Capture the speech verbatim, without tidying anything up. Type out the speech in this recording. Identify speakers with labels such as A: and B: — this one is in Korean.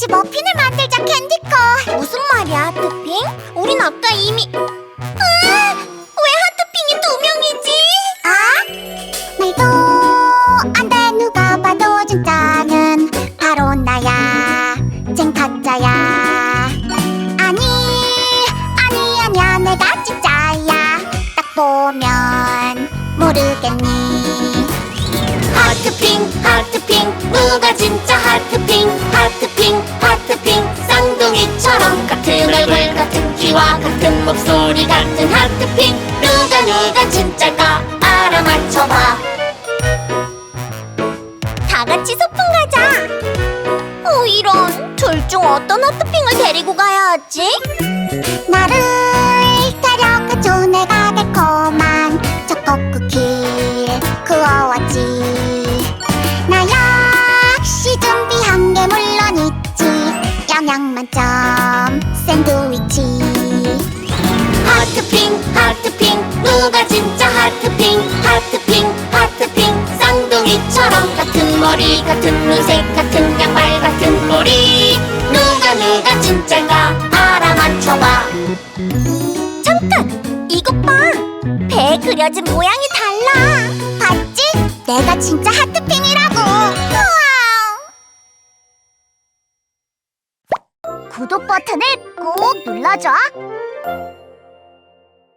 A: 같이 머핀을 만들자, 캔디커. 무슨 말이야, 하트핑? 우린 아까 이미... 으아! 왜 하트핑이 두 명이지? 아? 말도 안 돼, 누가 봐도 진짜는 바로 나야. 쟨 가짜야. 아니, 아니, 아니야, 내가 진짜야. 딱 보면 모르겠니? 하트핑, 하트핑, 누가 진짜 하트핑? 하트핑, 하트핑, 쌍둥이처럼 같은 얼굴, 같은 키와 같은 목소리, 같은 하트핑. 누가 누가 진짜일까 알아맞혀봐. 다 같이 소풍 가자. 어, 이런. 둘 중 어떤 하트핑을 데리고 가야 하지? 나를 데려가줘. 내가 달콤한 초코 쿠키를 구워왔지. 나 역시 준비한 게 물론 있지. 영양 만점 샌드위치. 하트핑, 하트핑, 누가 진짜 하트핑? 하트핑, 하트핑, 쌍둥이처럼 같은 머리, 같은 눈색, 같은 양말, 같은 꼬리. 누가 누가 진짜인가 알아맞혀봐. 잠깐! 이것 봐! 배에 그려진 모양이 달라. 봤지? 내가 진짜 하트핑이라고. 우와! 구독 버튼을 꼭 눌러줘.